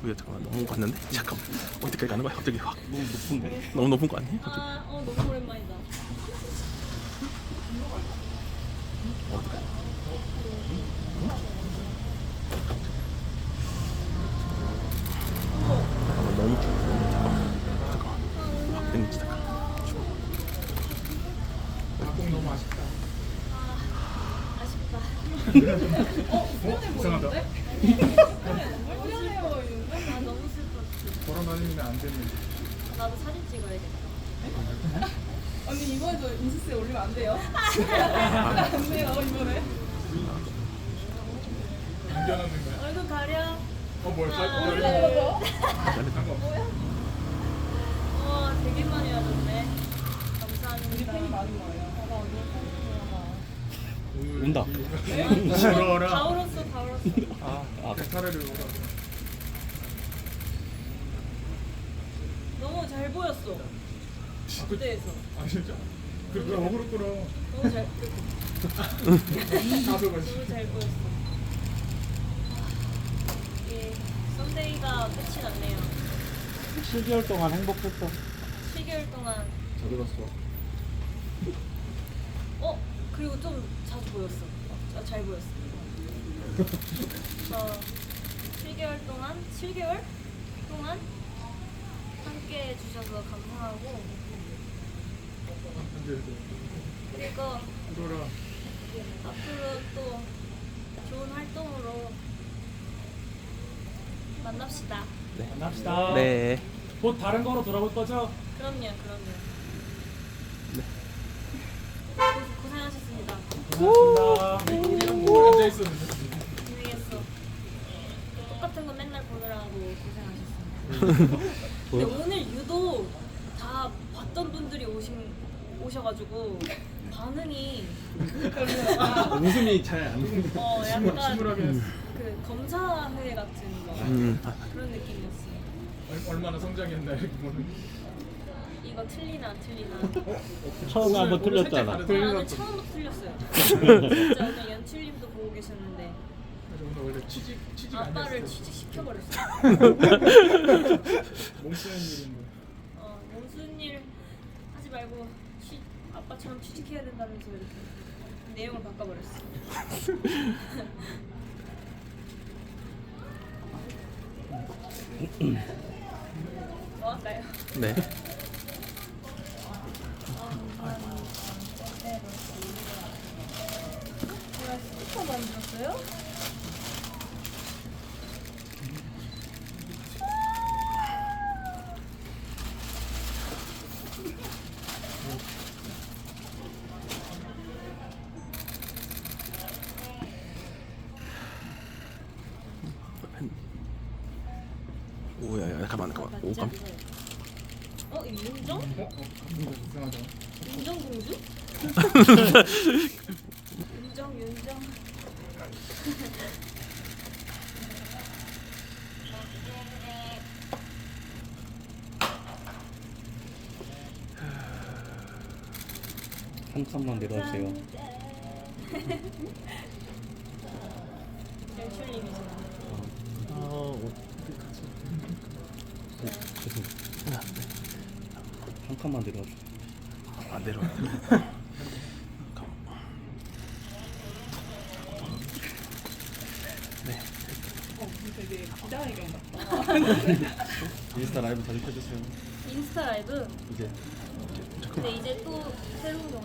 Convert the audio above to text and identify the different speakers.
Speaker 1: 이거 잠깐만 너무 갔는데 잠깐만 어디까지 가는 거야 갑자기 확
Speaker 2: 너무 높은데?
Speaker 1: 너무 높은 거 아니야?
Speaker 3: 너무 오랜만이다.
Speaker 1: 잠깐만 너무 추워 잠깐만 확 땡기지 잠깐
Speaker 4: 공 너무 아쉽다.
Speaker 3: 아쉽다.
Speaker 4: 이상하다.
Speaker 3: 나 너무 슬펐어.
Speaker 4: 걸어다니면 안 되는.
Speaker 3: 나도 사진 찍어야겠다.
Speaker 5: 언니 이번에도 인스타에 올리면 안 돼요? 안 돼요 이번에.
Speaker 4: 안전하는 거야.
Speaker 3: 얼굴 가려.
Speaker 4: 뭘
Speaker 5: 올려요?
Speaker 4: 상관없어.
Speaker 3: 와, 되게 많이 와줬네. 감사합니다.
Speaker 5: 팬이 많은 거예요. 봐봐 언니
Speaker 2: 온다.
Speaker 3: 다
Speaker 4: 울어라.
Speaker 3: 울었어, 다 울었어.
Speaker 4: 차라리 울어.
Speaker 3: 너무 잘 보였어. 무대에서.
Speaker 4: 아 진짜? 그래 어그로 끌어.
Speaker 3: 너무 잘,
Speaker 4: 가서 가지.
Speaker 3: 너무 잘 보였어. 예, 썬데이가 끝이 났네요.
Speaker 2: 7개월 동안 행복했어.
Speaker 3: 7개월 동안.
Speaker 4: 잘 들었어.
Speaker 3: 그리고 좀 자주 보였어. 잘 보였어. 7개월 동안 함께 해주셔서 감사하고, 그리고
Speaker 4: 울어라.
Speaker 3: 앞으로 또 좋은 활동으로 만납시다.
Speaker 2: 만납시다.
Speaker 1: 네
Speaker 2: 곧 다른 거로 돌아올 거죠?
Speaker 3: 그럼요.
Speaker 1: 네.
Speaker 3: 고생하셨습니다.
Speaker 2: 고맙습니다.
Speaker 4: 우리는 뭐 앉아 있었는데.
Speaker 3: 고생했어. 똑같은 거 맨날 보느라고 고생하셨습니다. 근데 오늘 유독 다 봤던 분들이 오셔가지고 반응이
Speaker 2: 웃음이 잘안
Speaker 3: 약간
Speaker 4: 심울하게 했어.
Speaker 3: 그 검사회 같은 거 그런 느낌이었어요.
Speaker 4: 얼마나 성장했나 이렇게 보는.
Speaker 3: 이거 틀리나 안 틀리나.
Speaker 2: 처음에 한번
Speaker 4: 오늘
Speaker 2: 틀렸잖아.
Speaker 4: 살짝
Speaker 3: 저는
Speaker 4: 다르다.
Speaker 3: 처음부터 틀렸어요. 진짜 오늘 연출님도 보고 계셨는데
Speaker 4: 오늘 원래 취직
Speaker 3: 아빠를
Speaker 4: 아니었어.
Speaker 3: 취직시켜버렸어요.
Speaker 4: 몸 쓰는 일인데.
Speaker 3: 무슨 일 하지 말고 아빠처럼 취직해야 된다면서 이렇게 내용을 바꿔버렸어. 뭐 할까요?
Speaker 1: 네.
Speaker 3: 제가 스티커 만들었어요?
Speaker 1: 오야야 가만 오 깜
Speaker 3: 이거 윤정?
Speaker 4: 이상하다.
Speaker 3: 윤정 공주? 윤정.
Speaker 2: 한 칸만 내려주세요.
Speaker 3: 연출님이시나?
Speaker 2: 한 칸만 내려줘.
Speaker 1: 안 내려. 네.
Speaker 5: 되게 기자회견 같다.
Speaker 2: 인스타 라이브 자주 켜주세요.
Speaker 3: 인스타 라이브?
Speaker 2: 이제
Speaker 3: 근데 이제 또 새로운 거